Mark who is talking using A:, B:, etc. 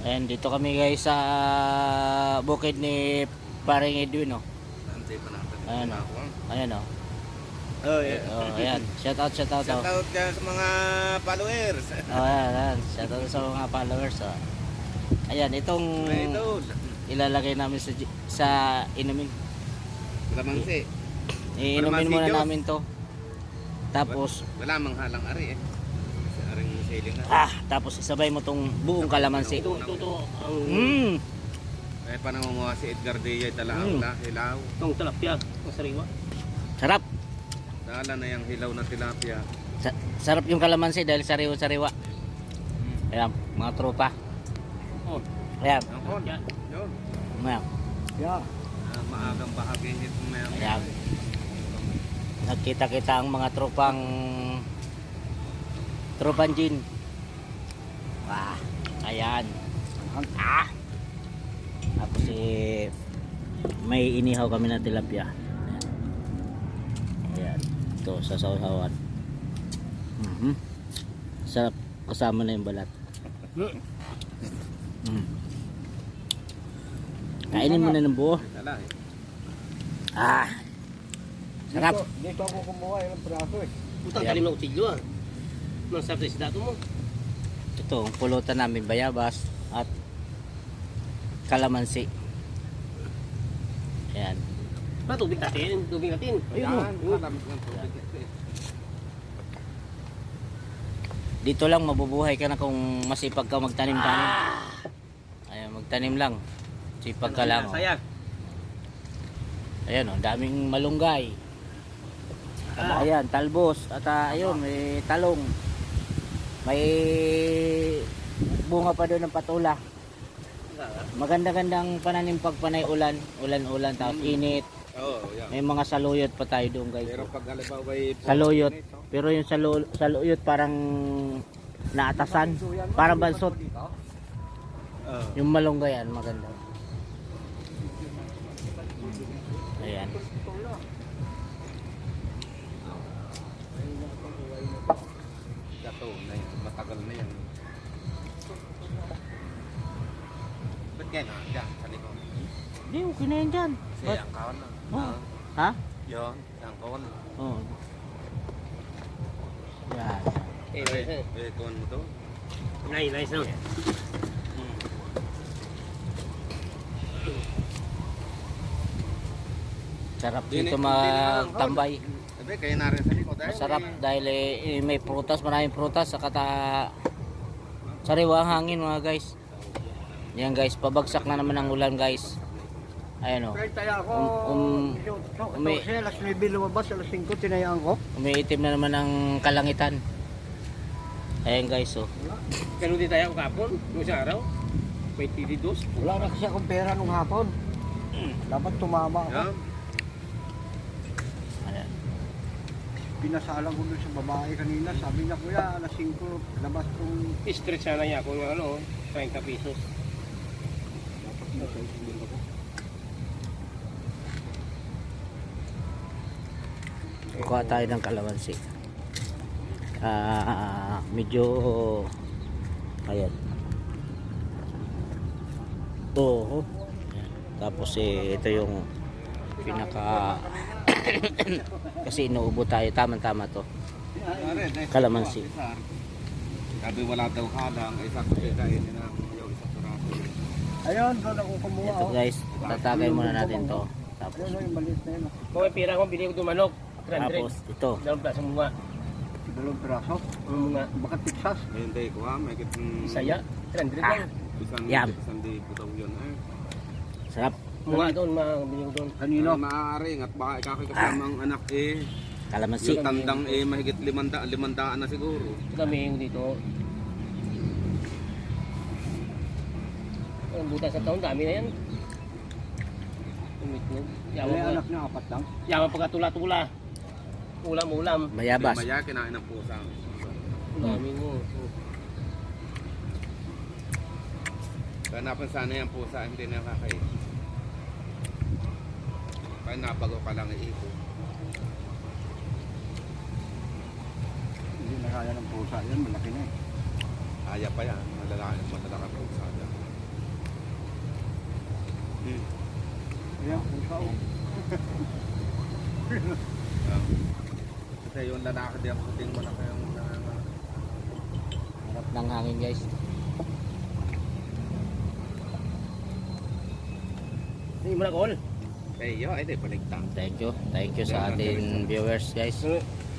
A: Ayan, dito kami guys sa bukid ni Paring Edwin, oh.
B: Antay pa natin.
A: Ayan, oh. Ayan, oh.
B: Oh, yeah.
A: Oh, ayan. Shout out,
B: Shout
A: oh.
B: out dyan sa mga followers.
A: Oh, ayan. Shout out sa mga followers, oh. Ayan, itong
B: Idol.
A: ilalagay namin sa inumin.
B: Kalamansi.
A: Iinumin muna
B: Diyos.
A: namin to. Tapos,
B: Wala mang halang ari eh. Sa aring sailing na.
A: tapos isabay mo tong buong kalamansi.
B: Ito.
A: Mm.
B: Eh, panangunguha si Edgar Dia, talaw na, hilaw.
C: Itong tilapia, ang sariwa.
A: Sarap.
B: Dala na yung hilaw na tilapia.
A: Sarap yung kalamansi dahil sariwa-sariwa. Ayan, mga tropa.
C: Oh,
A: Ayan.
B: Ang hon.
C: Yan.
B: Yun.
A: Ayan.
C: yeah.
B: Maagang bahagihin mo yan.
A: Ayan. Nagkita-kita ang mga tropang gin. Wah, ayan. Tapos may inihaw kami na tilapia. Ayan. Ito sa sausawan. Sarap kasama na yung balat. Kainin mo na ng buo.
B: Dala eh.
A: Sarap.
C: Dito ako kumuha yung praso eh. Putang
A: Ayan.
C: talim na utsilyo ah. Nang sarap sa isda mo.
A: Ito, ang pulutan namin bayabas at kalamansi. Ayan.
C: Ah, tubig natin.
A: Ayun,
B: Ayan, alam ng tubig.
A: Dito lang mabubuhay ka na kung masipag ka magtanim-tanim. Ayan, magtanim lang. Sipag ka lang. Oh.
C: Sayang.
A: Ayan, oh, daming malunggay. Ayan, talbos. At ayun, may talong. May bunga pa doon ng patula. Maganda-gandang pananim pag panay ulan. Ulan-ulan, tapos init.
B: Oo, yan.
A: May mga saluyot pa tayo doon, guys.
B: Pero pag halimbawa ay
A: Saluyot. Pero yung saluyot parang naatasan. Parang bansot. Yung malunggayan, maganda. Ayan.
B: Gato na yan, matagal na yan. Ba't kaya na? Diyan, sa likod.
A: Hindi, okay na yan dyan.
B: Kasi ang kawan na.
A: Oh. Ha?
B: Yun, ang kawan.
A: Oo. Yan.
B: Kawan mo to?
C: Nice no.
A: Sarap dito magtambay.
B: Sabi, kaya na rin sa likod.
A: Masarap dahil may prutas, maraming prutas. Saka sariwa ang hangin mga guys. Yan guys, pabagsak na naman ang ulan guys. Ayan o.
C: Kaya ako,
A: alas
C: 9 lumabas, alas 5 tinayaan ko.
A: Umiitim na naman ang kalangitan. Ayan guys oh.
C: Ganun din tayo kapon, nung isang araw. May tilidos.
D: Wala na kasi akong pera nung hapon. Dapat tumama ako.
B: Yan.
A: Ayan.
D: Pinasalang ko dun sa babae kanina. Sabi niya, kuya, alas 5, labas kong...
C: Stretch sana niya ako ng ano, 30 pesos.
D: Dapat na sa isbin ako.
A: Kuha tayo ng kalamansi. Medyo ayan. Oo. Tapos ito yung pinaka kasi inuubo tayo, tama-tama to. Kalamansi.
B: Sabi wala daw halang, ay sakto siya kainin na yung isang sarado.
D: Ayun, doon ako kumuha.
A: Ito guys, tatagay muna natin to. Tapos
D: Ayun, yung maliit na yun.
C: Kung may pira ko, bili ko itong manok. 300.
A: tapos ito.
C: Dalawang plaso mga.
D: Dalawang piraso.
C: Mga
D: Baka Texas.
B: Hindi ko ha, may kitang...
C: saya. 300 lang.
A: Yam.
B: Isang libo daw yun eh.
A: Sarap.
C: Mga doon, mga bili ko doon.
D: Kanino?
B: Maaaring at baka ikakikasamang anak eh.
A: Kalamansi.
B: Yung tandang eh, mahigit 500 na siguro.
C: Kami yung dito. Ang buta sa taon, dami na yan. Umitlog.
D: May anak niya, 4 lang.
C: Yaman pagkatula-tula. Ulam-ulam.
A: Mayabas.
B: Maya, kinain ng pusa.
C: Dami mo.
B: Ganapan sana yung pusa, hindi na nakakain. Kaya nabago ka lang iipo.
D: Hindi na kaya ng pusa yan, malaki na eh.
B: Kaya pa yan, madala ka pusa dyan.
D: Ayan, kung saan.
B: Kasi yung lalaki diyan puting mo na kayong
A: Harap ng hangin guys.
C: Hindi mo na call.
B: kayo, ay di baligtang.
A: Thank you sa ating viewers guys.